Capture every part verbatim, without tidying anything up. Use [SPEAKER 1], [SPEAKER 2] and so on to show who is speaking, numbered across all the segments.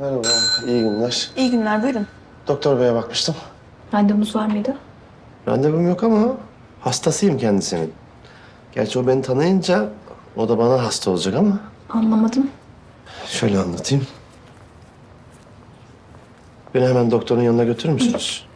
[SPEAKER 1] Merhaba, iyi günler.
[SPEAKER 2] İyi günler, buyurun.
[SPEAKER 1] Doktor beye bakmıştım.
[SPEAKER 2] Randevunuz var mıydı?
[SPEAKER 1] Randevum yok ama hastasıyım kendisinin. Gerçi o beni tanıyınca o da bana hasta olacak ama.
[SPEAKER 2] Anlamadım.
[SPEAKER 1] Şöyle anlatayım. Beni hemen doktorun yanına götürür müsünüz?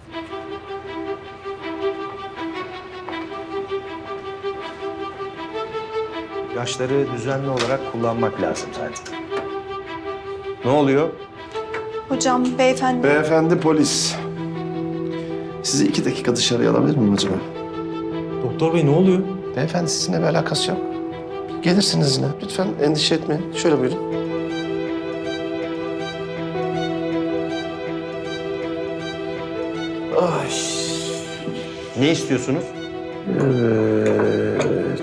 [SPEAKER 3] İlaçları düzenli olarak kullanmak lazım zaten. Ne oluyor?
[SPEAKER 2] Hocam, beyefendi...
[SPEAKER 1] Beyefendi polis. Sizi iki dakika dışarıya alabilir miyim acaba?
[SPEAKER 3] Doktor bey ne oluyor?
[SPEAKER 1] Beyefendi sizinle bir alakası yok. Gelirsiniz yine. Lütfen endişe etmeyin. Şöyle buyurun. Ay.
[SPEAKER 3] Ne istiyorsunuz?
[SPEAKER 1] Evet.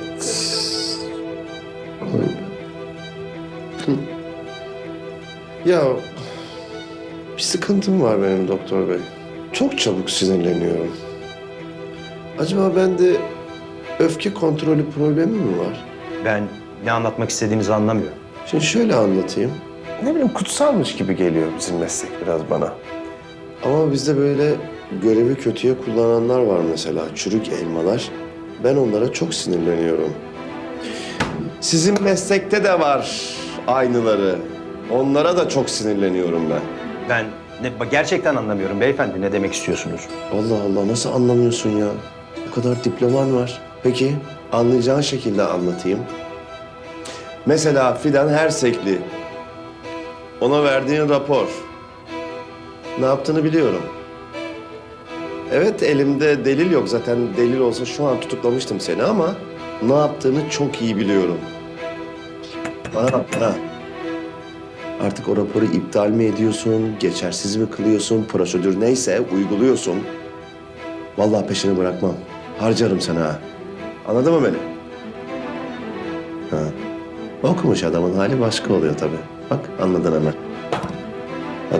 [SPEAKER 1] Ya bir sıkıntım var benim doktor bey. Çok çabuk sinirleniyorum. Acaba bende öfke kontrolü problemi mi var?
[SPEAKER 3] Ben ne anlatmak istediğinizi anlamıyorum.
[SPEAKER 1] Şimdi şöyle anlatayım. Ne bileyim kutsalmış gibi geliyor bizim meslek biraz bana. Ama bizde böyle görevi kötüye kullananlar var mesela. Çürük elmalar. Ben onlara çok sinirleniyorum. Sizin meslekte de var aynıları. Onlara da çok sinirleniyorum ben.
[SPEAKER 3] Ben ne, gerçekten anlamıyorum beyefendi. Ne demek istiyorsunuz?
[SPEAKER 1] Allah Allah nasıl anlamıyorsun ya? O kadar diploman var. Peki anlayacağın şekilde anlatayım. Mesela Fidan Hersekli. Ona verdiğin rapor. Ne yaptığını biliyorum. Evet elimde delil yok. Zaten delil olsa şu an tutuklamıştım seni ama ne yaptığını çok iyi biliyorum. Bana bak bana. Artık o raporu iptal mi ediyorsun, geçersiz mi kılıyorsun, prosedür neyse uyguluyorsun. Vallahi peşini bırakmam. Harcarım sana ha. Anladın mı beni? Ha. Okumuş adamın hali başka oluyor tabii. Bak anladın hemen. Hadi.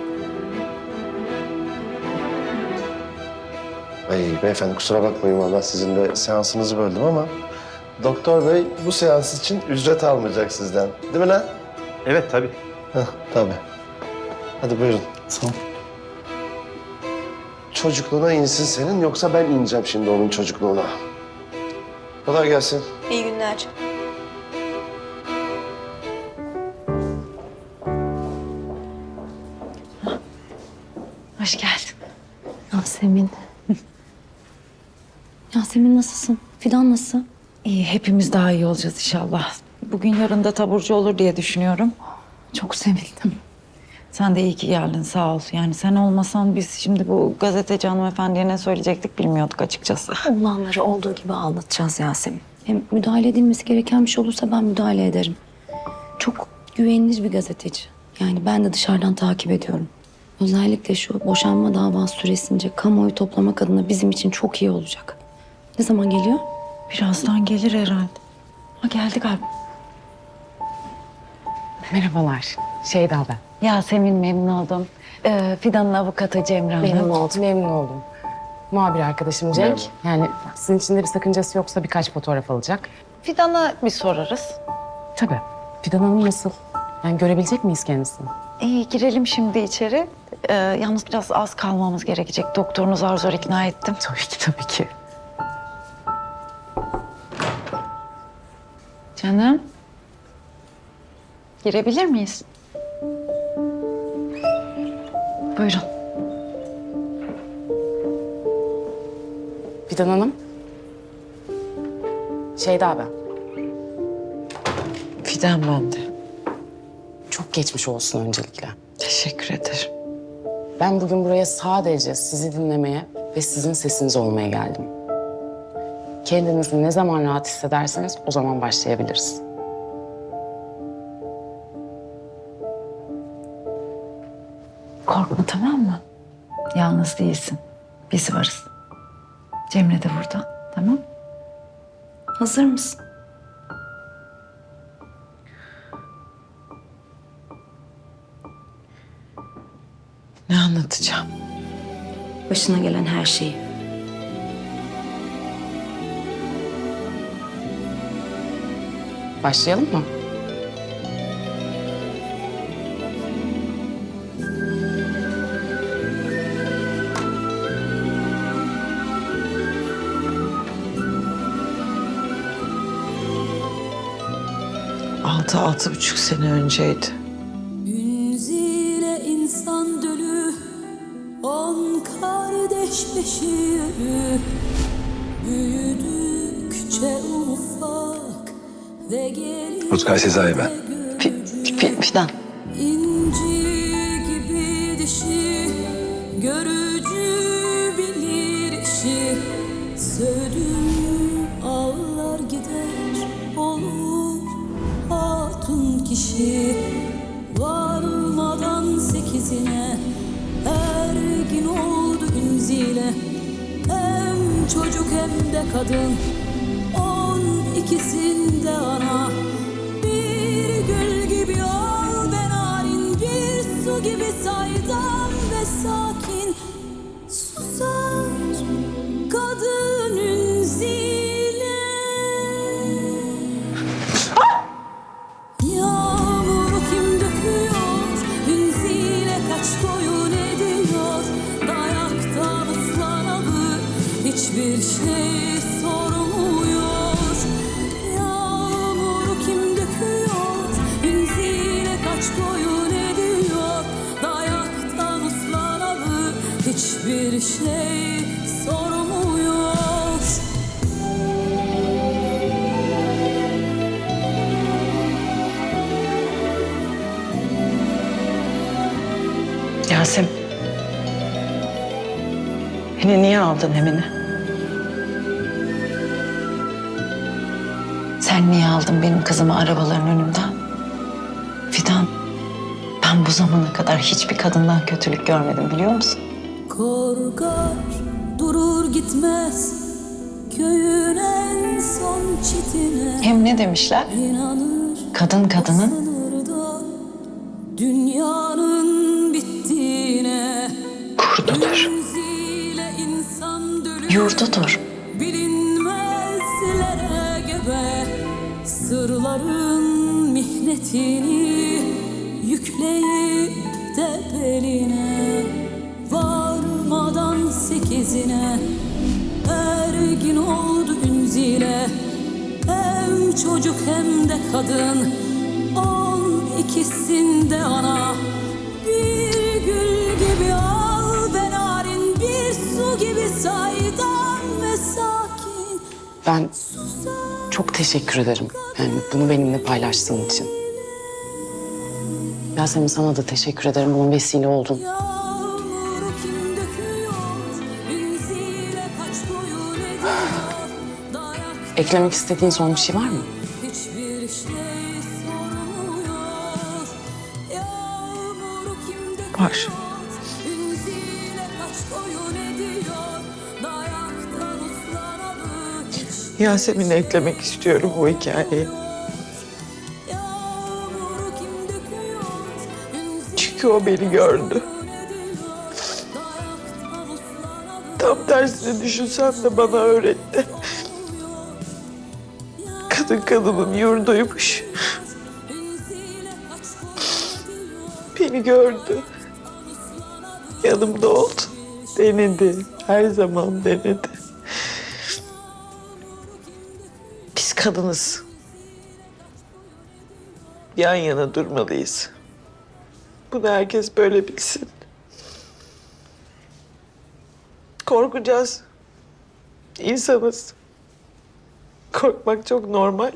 [SPEAKER 1] Ay beyefendi kusura bakmayın vallahi sizin de seansınızı böldüm ama... Doktor bey bu seans için ücret almayacak sizden. Değil mi lan?
[SPEAKER 3] Evet tabii.
[SPEAKER 1] Heh, tabii. Hadi buyurun. Sağ ol. Çocukluğuna insin senin yoksa ben ineceğim şimdi onun çocukluğuna. Kolay gelsin.
[SPEAKER 2] İyi günler.
[SPEAKER 4] Hoş geldin. Yasemin. Yasemin nasılsın? Fidan nasıl?
[SPEAKER 5] İyi, hepimiz daha iyi olacağız inşallah. Bugün yarın da taburcu olur diye düşünüyorum.
[SPEAKER 4] Çok sevindim.
[SPEAKER 5] Sen de iyi ki geldin, sağ ol. Yani sen olmasan biz şimdi bu gazeteci hanımefendiye ne söyleyecektik bilmiyorduk açıkçası.
[SPEAKER 4] Olanları olduğu gibi anlatacağız Yasemin. Hem müdahale edilmesi gereken bir şey olursa ben müdahale ederim. Çok güvenilir bir gazeteci. Yani ben de dışarıdan takip ediyorum. Özellikle şu boşanma davası süresince kamuoyu toplamak adına bizim için çok iyi olacak. Ne zaman geliyor?
[SPEAKER 5] Birazdan gelir herhalde. Ha geldi galiba.
[SPEAKER 6] Merhabalar. Şeyda ben.
[SPEAKER 5] Yasemin memnun oldum. Ee, Fidan'ın avukatı Cemre Hanım.
[SPEAKER 6] Memnun oldum. Memnun oldum. Muhabir arkadaşım Cenk. Yani sizin için de bir sakıncası yoksa birkaç fotoğraf alacak.
[SPEAKER 5] Fidan'a bir sorarız.
[SPEAKER 6] Tabii. Fidan Hanım nasıl? Yani görebilecek miyiz kendisini?
[SPEAKER 5] İyi, girelim şimdi içeri. Ee, yalnız biraz az kalmamız gerekecek. Doktorunu zar zor ikna ettim.
[SPEAKER 6] Tabii ki, tabii ki.
[SPEAKER 5] Canım. Girebilir miyiz? Buyurun.
[SPEAKER 6] Fidan Hanım. Şeyda ben.
[SPEAKER 5] Fidan ben de.
[SPEAKER 6] Çok geçmiş olsun öncelikle.
[SPEAKER 5] Teşekkür ederim.
[SPEAKER 6] Ben bugün buraya sadece sizi dinlemeye ve sizin sesiniz olmaya geldim. Kendinizi ne zaman rahat hissederseniz o zaman başlayabiliriz.
[SPEAKER 5] Korkma, tamam mı? Yalnız değilsin. Biz varız. Cemre de burada. Tamam?
[SPEAKER 4] Hazır mısın?
[SPEAKER 5] Ne anlatacağım?
[SPEAKER 4] Başına gelen her şeyi.
[SPEAKER 6] Başlayalım mı?
[SPEAKER 7] Altı, altı buçuk sene önceydi.
[SPEAKER 8] Ünzile insan dölü, on kardeş beşi ölü. Büyüdükçe ufak ve gelince
[SPEAKER 3] Rutkay Sezai ben.
[SPEAKER 5] Fi- Fi- Fidan.
[SPEAKER 8] İnci gibi dişi, görücü bilir işi. Sözüm ağlar gider, olur hatun kişi. Varmadan sekizine, ergin oldu ünzile. Hem çocuk hem de kadın, on ikisinde ana. Bir gül gibi ol ve narin, bir su gibi saydam ve sakin. Susar kadın ünzile. Yağmuru kim döküyor, ünzile kaç boyun ediyor. Dayaktan ıslanalı hiçbir şey sormuyor. Yağmuru kim döküyor, ünzile kaç boyun ediyor. Dayaktan ıslanalı hiçbir şey sormuyor.
[SPEAKER 7] Yasemin. Beni niye aldın Emine?
[SPEAKER 5] Sen niye aldın benim kızımı arabaların önünden? Fidan, ben bu zamana kadar hiçbir kadından kötülük görmedim biliyor musun?
[SPEAKER 8] Korkar durur gitmez köyün en son çitine.
[SPEAKER 5] Hem ne demişler?
[SPEAKER 8] İnanır
[SPEAKER 5] Kadın kadının
[SPEAKER 8] sınırda dünyanın bittiğine.
[SPEAKER 5] kurdudur,
[SPEAKER 8] Ünzile insan dölü,
[SPEAKER 5] yurdudur.
[SPEAKER 8] bilinmezlere gebe. Sırların mihnetini yükleyip de beline. Varmadan sekizine, ergin oldu ünzile. Hem çocuk hem de kadın, on ikisinde ana. Bir gül gibi al ve narin, bir su gibi saydam ve sakin.
[SPEAKER 6] Ben çok teşekkür ederim. Yani bunu benimle paylaştığın için. Yasemin, sana da teşekkür ederim. Bunun vesile oldun.
[SPEAKER 8] Yağmuru kim döküyor, ünzile kaç boyun ediyor. Dayak
[SPEAKER 6] Eklemek istediğin son bir şey var mı?
[SPEAKER 8] hiçbir şey sormuyor. Yağmuru kim döküyor,
[SPEAKER 7] Var.
[SPEAKER 8] ünzile kaç boyun ediyor. Dayaktan uslanalı hiç-
[SPEAKER 7] Yasemin'i eklemek istiyorum bu hikayeyi.
[SPEAKER 8] Yağmuru kim döküyor, ünzile
[SPEAKER 7] Çünkü o beni gördü. Tam tersini düşünsem de bana öğretti. Kadın kadının yurduymuş. Beni gördü. Yanımda oldu. Denedi. Her zaman denedi. Biz kadınız. Yan yana durmalıyız. Bunu herkes böyle bilsin. Korkacağız. İnsanız. Korkmak çok normal.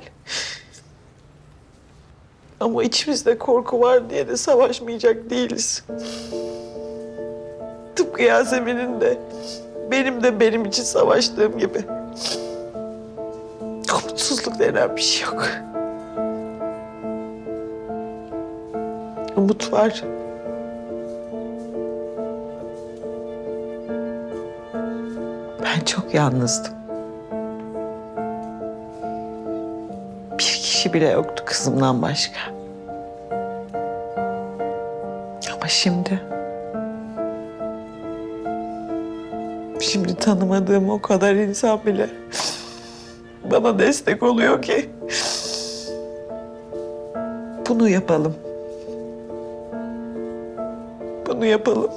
[SPEAKER 7] Ama içimizde korku var diye de savaşmayacak değiliz. Tıpkı Yasemin'in de, benim de benim için savaştığım gibi. Umutsuzluk denen bir şey yok. Umut var. Ben çok yalnızdım. Bir kişi bile yoktu kızımdan başka. Ama şimdi... Şimdi tanımadığım o kadar insan bile bana destek oluyor ki. Bunu yapalım. Bunu yapalım.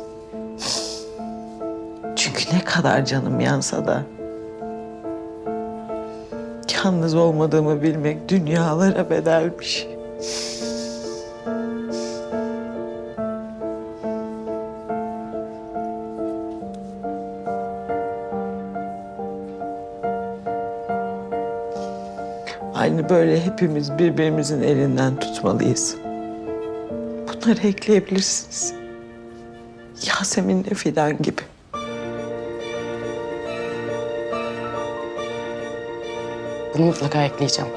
[SPEAKER 7] Çünkü ne kadar canım yansa da yalnız olmadığımı bilmek dünyalara bedelmiş. Aynı böyle hepimiz birbirimizin elinden tutmalıyız. Bunları ekleyebilirsiniz. Yasemin'le Fidan gibi.
[SPEAKER 6] Bunu mutlaka ekleyeceğim.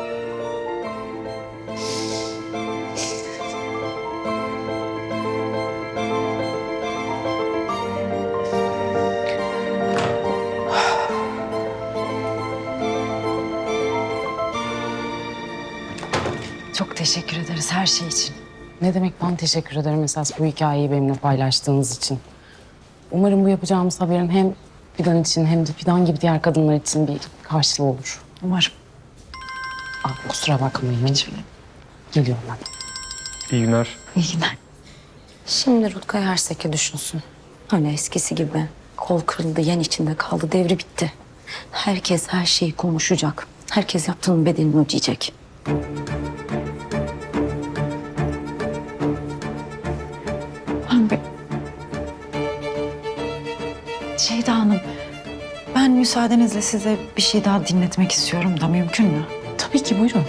[SPEAKER 5] Çok teşekkür ederiz her şey için.
[SPEAKER 6] Ne demek, ben teşekkür ederim esas bu hikayeyi benimle paylaştığınız için. Umarım bu yapacağımız haberin hem Fidan için hem de Fidan gibi diğer kadınlar için bir karşılığı olur.
[SPEAKER 5] Umarım.
[SPEAKER 6] Aa, kusura bakmayın. Geliyorum ben.
[SPEAKER 3] İyi günler.
[SPEAKER 5] İyi günler.
[SPEAKER 4] Şimdi Rutkay Hersek'i düşünsün. Öyle eskisi gibi. Kol kırıldı, yen içinde kaldı, devri bitti. Herkes her şeyi konuşacak. Herkes yaptığının bedelini ödeyecek.
[SPEAKER 5] Şeyda Hanım, ben müsaadenizle size bir şey daha dinletmek istiyorum da mümkün mü?
[SPEAKER 6] Tabii ki, buyurun.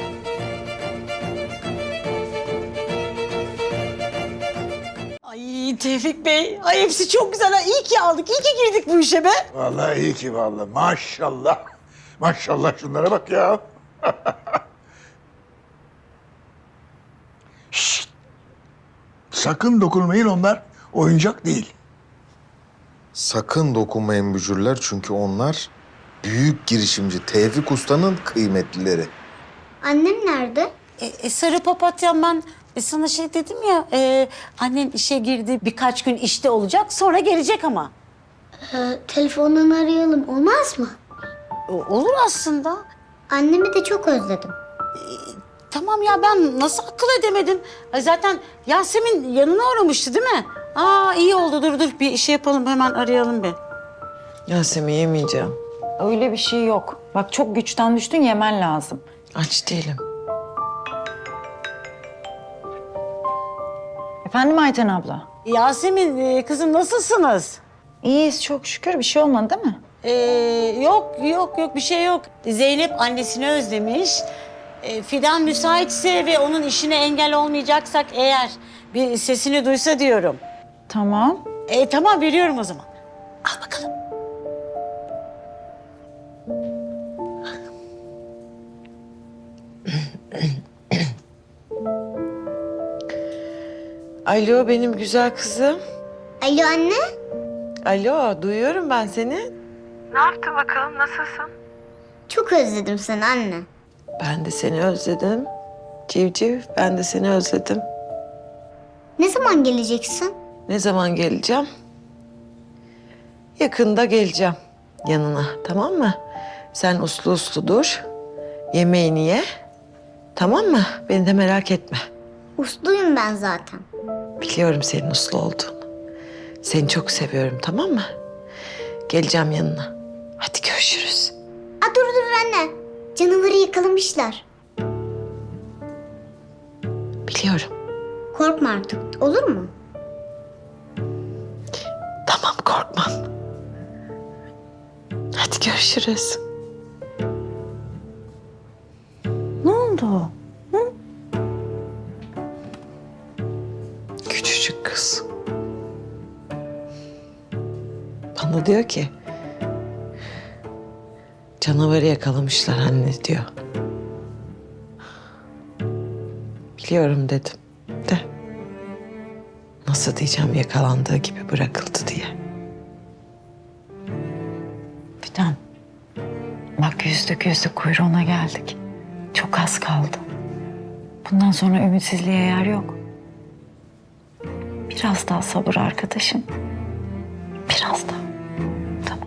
[SPEAKER 9] Ay Tevfik Bey, ay hepsi çok güzel. Ha. İyi ki aldık, iyi ki girdik bu işe be.
[SPEAKER 10] Vallahi iyi ki vallahi. Maşallah. Maşallah şunlara bak ya. Şşt! Sakın dokunmayın, onlar oyuncak değil.
[SPEAKER 11] Sakın dokunmayın mücürler çünkü onlar büyük girişimci Tevfik Usta'nın kıymetlileri.
[SPEAKER 12] Annem nerede?
[SPEAKER 9] E, e, sarı papatyam ben e, sana şey dedim ya, e, annen işe girdi, birkaç gün işte olacak, sonra gelecek ama.
[SPEAKER 12] Ee, telefondan arayalım, olmaz mı?
[SPEAKER 9] E, olur aslında.
[SPEAKER 12] Annemi de çok özledim.
[SPEAKER 9] Tamam ya, ben nasıl akıl edemedim? Ay, zaten Yasemin yanına uğramıştı değil mi? Aa iyi oldu, dur dur bir şey yapalım, hemen arayalım bir.
[SPEAKER 7] Yasemin yemeyeceğim.
[SPEAKER 5] Öyle bir şey yok. Bak çok güçten düştün, yemen lazım.
[SPEAKER 7] Aç değilim.
[SPEAKER 5] Efendim Ayten abla?
[SPEAKER 9] Yasemin e, kızım nasılsınız?
[SPEAKER 5] İyiyiz çok şükür. Bir şey olmadı değil mi?
[SPEAKER 9] Ee, yok yok yok bir şey yok. Zeynep annesini özlemiş. Ee, Fidan müsaitse ve onun işine engel olmayacaksak eğer bir sesini duysa diyorum.
[SPEAKER 5] Tamam.
[SPEAKER 9] Ee, tamam veriyorum o zaman. Al bakalım.
[SPEAKER 7] Alo benim güzel kızım.
[SPEAKER 12] Alo anne.
[SPEAKER 7] Alo duyuyorum ben seni.
[SPEAKER 12] Çok özledim seni anne.
[SPEAKER 7] Ben de seni özledim. Civciv ben de seni özledim.
[SPEAKER 12] Ne zaman geleceksin?
[SPEAKER 7] Ne zaman geleceğim? Yakında geleceğim yanına, tamam mı? Sen uslu uslu dur. Yemeğini ye. Tamam mı? Beni de merak etme.
[SPEAKER 12] Usluyum ben zaten.
[SPEAKER 7] Biliyorum senin uslu olduğunu. Seni çok seviyorum, tamam mı? Geleceğim yanına. Hadi görüşürüz.
[SPEAKER 12] Aa, dur dur anne. Canavarı yakalamışlar.
[SPEAKER 7] Biliyorum.
[SPEAKER 12] Korkma artık, olur mu?
[SPEAKER 7] Tamam korkmam. Hadi görüşürüz.
[SPEAKER 5] Ne oldu?
[SPEAKER 7] Küçücük kız. Bana diyor ki... Canavarı yakalamışlar anne diyor. Biliyorum dedim de... Nasıl diyeceğim yakalandığı gibi bırakıldı diye.
[SPEAKER 5] Fidan. Bak yüzdük yüzdük kuyruğuna geldik. Çok az kaldı. Bundan sonra ümitsizliğe yer yok. Biraz daha sabır arkadaşım. Biraz daha. Tamam.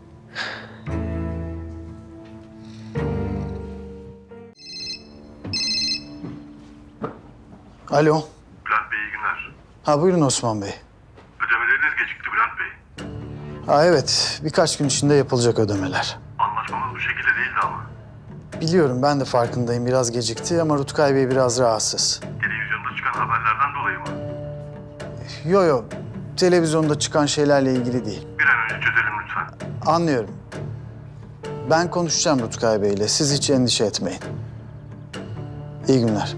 [SPEAKER 10] Alo.
[SPEAKER 13] Bülent Bey iyi günler.
[SPEAKER 10] Ha buyurun Osman Bey.
[SPEAKER 13] Ödemeleriniz gecikti Bülent Bey.
[SPEAKER 10] Ha evet, birkaç gün içinde yapılacak ödemeler.
[SPEAKER 13] Anlaşmamız bu şekilde değildi ama.
[SPEAKER 10] Biliyorum, ben de farkındayım, biraz gecikti ama Rutkay Bey biraz rahatsız.
[SPEAKER 13] Televizyonda çıkan haberlerden dolayı mı?
[SPEAKER 10] Yo yo, televizyonda çıkan şeylerle ilgili değil.
[SPEAKER 13] Bir an önce çözelim lütfen.
[SPEAKER 10] Anlıyorum. Ben konuşacağım Rutkay Bey'le, siz hiç endişe etmeyin. İyi günler.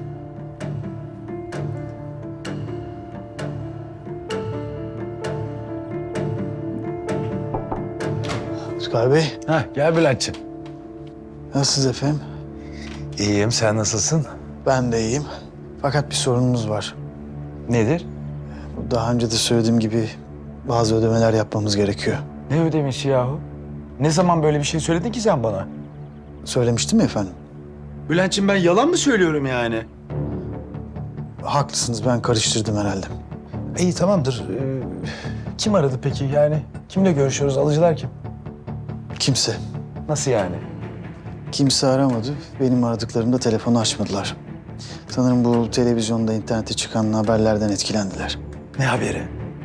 [SPEAKER 10] Rutkay Bey,
[SPEAKER 3] Heh, gel Bülent'ciğim.
[SPEAKER 10] nasılsınız efendim?
[SPEAKER 3] İyiyim, sen nasılsın?
[SPEAKER 10] Ben de iyiyim. Fakat bir sorunumuz var.
[SPEAKER 3] Nedir?
[SPEAKER 10] Daha önce de söylediğim gibi bazı ödemeler yapmamız gerekiyor.
[SPEAKER 3] Ne ödemişi yahu? Ne zaman böyle bir şey söyledin ki sen bana?
[SPEAKER 10] Söylemiştim ya efendim.
[SPEAKER 3] Bülent'ciğim ben yalan mı söylüyorum yani?
[SPEAKER 10] Haklısınız, ben karıştırdım herhalde.
[SPEAKER 3] İyi tamamdır. Ee, kim aradı peki yani? Kimle görüşüyoruz? Alıcılar kim?
[SPEAKER 10] Kimse.
[SPEAKER 3] Nasıl yani?
[SPEAKER 10] Kimse aramadı. Benim aradıklarımda telefonu açmadılar. Sanırım bu televizyonda, internete çıkan haberlerden etkilendiler.
[SPEAKER 3] Ne haberi?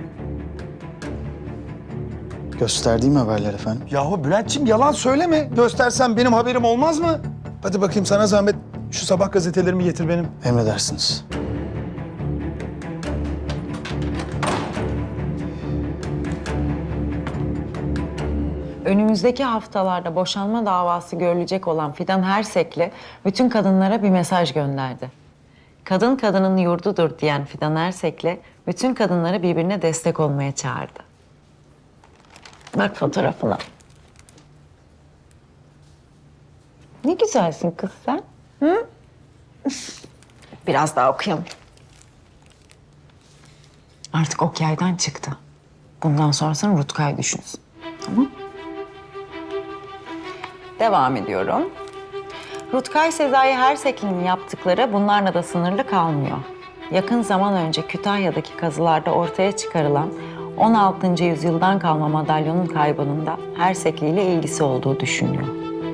[SPEAKER 10] Gösterdiğim haberler efendim.
[SPEAKER 3] Yahu Bülent'ciğim yalan söyleme. Göstersen benim haberim olmaz mı? Hadi bakayım sana zahmet. Şu sabah gazetelerimi getir benim.
[SPEAKER 10] Emredersiniz.
[SPEAKER 5] Önümüzdeki haftalarda boşanma davası görülecek olan Fidan Ersek'le bütün kadınlara bir mesaj gönderdi. Kadın kadının yurdudur diyen Fidan Ersek'le bütün kadınları birbirine destek olmaya çağırdı. Bak fotoğrafına. Ne güzelsin kız sen. Hı? Biraz daha okuyalım. Artık ok yaydan çıktı. Bundan sonrasını Rutkay düşünsün. Tamam? Devam ediyorum. Rutkay Sezai Ersekli'nin yaptıkları bunlarla da sınırlı kalmıyor. Yakın zaman önce Kütahya'daki kazılarda ortaya çıkarılan on altıncı yüzyıldan kalma madalyonun kaybının da Ersekli ile ilgisi olduğu düşünülüyor.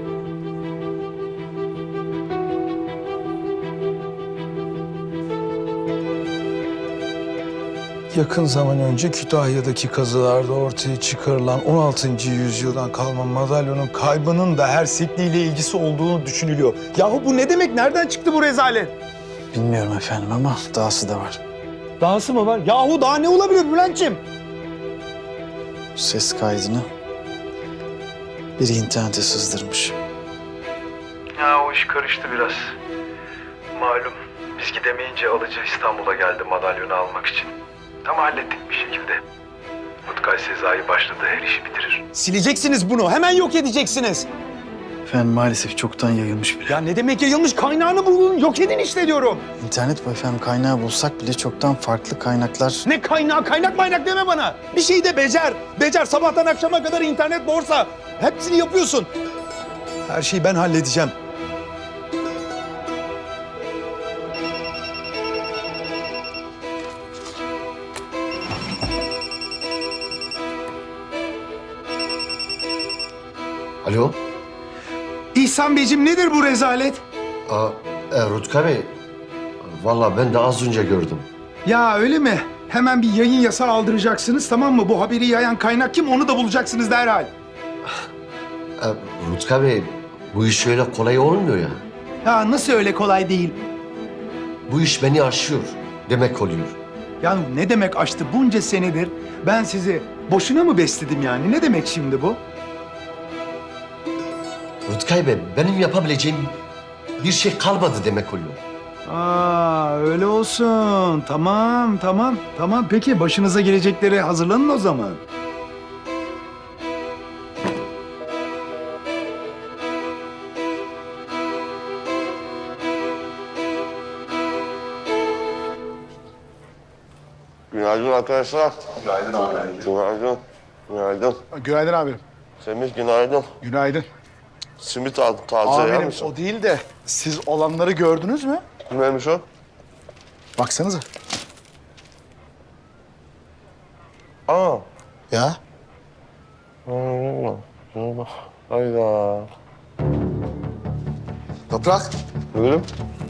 [SPEAKER 3] Yakın zaman önce Kütahya'daki kazılarda ortaya çıkarılan on altıncı yüzyıldan kalma madalyonun kaybının da Ersekli ile ilgisi olduğunu düşünülüyor. Yahu bu ne demek? Nereden çıktı bu rezalet?
[SPEAKER 10] Bilmiyorum efendim ama dahası da var.
[SPEAKER 3] Dahası mı var? Yahu daha ne olabilir Bülent'ciğim?
[SPEAKER 10] Ses kaydını biri internete sızdırmış.
[SPEAKER 14] Ya o iş karıştı biraz. Malum biz gidemeyince alıcı İstanbul'a geldi madalyonu almak için. Ama hallettik bir şekilde. Rutkay Sezai başladı, her işi bitirir.
[SPEAKER 3] Sileceksiniz bunu. Hemen yok edeceksiniz.
[SPEAKER 10] Efendim maalesef çoktan yayılmış bile.
[SPEAKER 3] Ya ne demek yayılmış? Kaynağını bulun. Yok edin işte diyorum.
[SPEAKER 10] İnternet bu efendim, kaynağı bulsak bile çoktan farklı kaynaklar...
[SPEAKER 3] Ne kaynağı? Kaynak maynak deme bana. Bir şeyi de becer. Becer. Sabahtan akşama kadar internet, borsa. Hepsini yapıyorsun. Her şeyi ben halledeceğim.
[SPEAKER 1] Alo?
[SPEAKER 3] İhsan Beyciğim nedir bu rezalet?
[SPEAKER 1] Aa, e, Rutkay Bey, vallahi ben de az önce gördüm.
[SPEAKER 3] Ya öyle mi? Hemen bir yayın yasağı aldıracaksınız, tamam mı? Bu haberi yayan kaynak kim, onu da bulacaksınız derhal.
[SPEAKER 1] E, Rutkay Bey, bu iş öyle kolay olmuyor ya.
[SPEAKER 3] Ya nasıl öyle kolay değil?
[SPEAKER 1] Bu iş beni aşıyor demek oluyor.
[SPEAKER 3] Ya ne demek aştı bunca senedir? Ben sizi boşuna mı besledim yani? Ne demek şimdi bu?
[SPEAKER 1] Rutkay Bey, benim yapabileceğim bir şey kalmadı demek oluyor.
[SPEAKER 3] Aa öyle olsun. Tamam, tamam, tamam. Peki başınıza gelecekleri hazırlanın o zaman.
[SPEAKER 1] Günaydın arkadaşlar.
[SPEAKER 14] Günaydın abi.
[SPEAKER 1] Günaydın. Günaydın.
[SPEAKER 14] Günaydın amirim.
[SPEAKER 1] Semih günaydın.
[SPEAKER 14] Günaydın.
[SPEAKER 1] Simit al, taze yer
[SPEAKER 14] Amirim
[SPEAKER 1] misin?
[SPEAKER 14] o değil de siz olanları gördünüz mü?
[SPEAKER 1] Neymiş o?
[SPEAKER 14] Baksanıza.
[SPEAKER 1] Aa.
[SPEAKER 14] Ya?
[SPEAKER 1] Allah. Hayda.
[SPEAKER 11] Toprak,
[SPEAKER 1] Buyurun.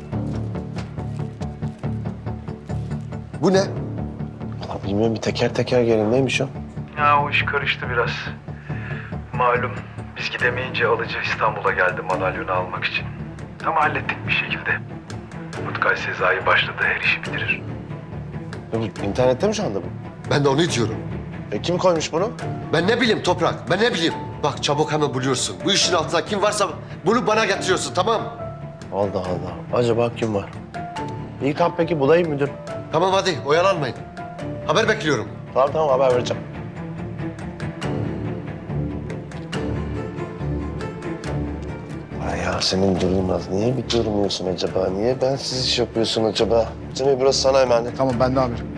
[SPEAKER 11] bu ne?
[SPEAKER 1] Valla bilmiyorum, bir teker teker gelin. Neymiş o?
[SPEAKER 14] Ya o iş karıştı biraz. Malum biz gidemeyince alıcı İstanbul'a geldi madalyonu almak için. Ama hallettik bir şekilde. Rutkay Sezai başladı, her işi bitirir.
[SPEAKER 1] Ya bu internette mi şu anda bu?
[SPEAKER 11] Ben de onu diyorum.
[SPEAKER 1] E kim koymuş bunu?
[SPEAKER 11] Ben ne bileyim Toprak, ben ne bileyim. Bak çabuk hemen buluyorsun. Bu işin altında kim varsa bunu bana getiriyorsun, tamam?
[SPEAKER 1] Allah Allah. Acaba kim var? İyi tamam peki bulayım müdür.
[SPEAKER 11] Tamam hadi oyalanmayın. Haber bekliyorum.
[SPEAKER 1] Tamam tamam haber vereceğim. Ay Yasemin Durulmaz. Niye bir durmuyorsun acaba? Niye bensiz iş yapıyorsun acaba? Cemil burası sana emanet.
[SPEAKER 10] Tamam ben de amirim.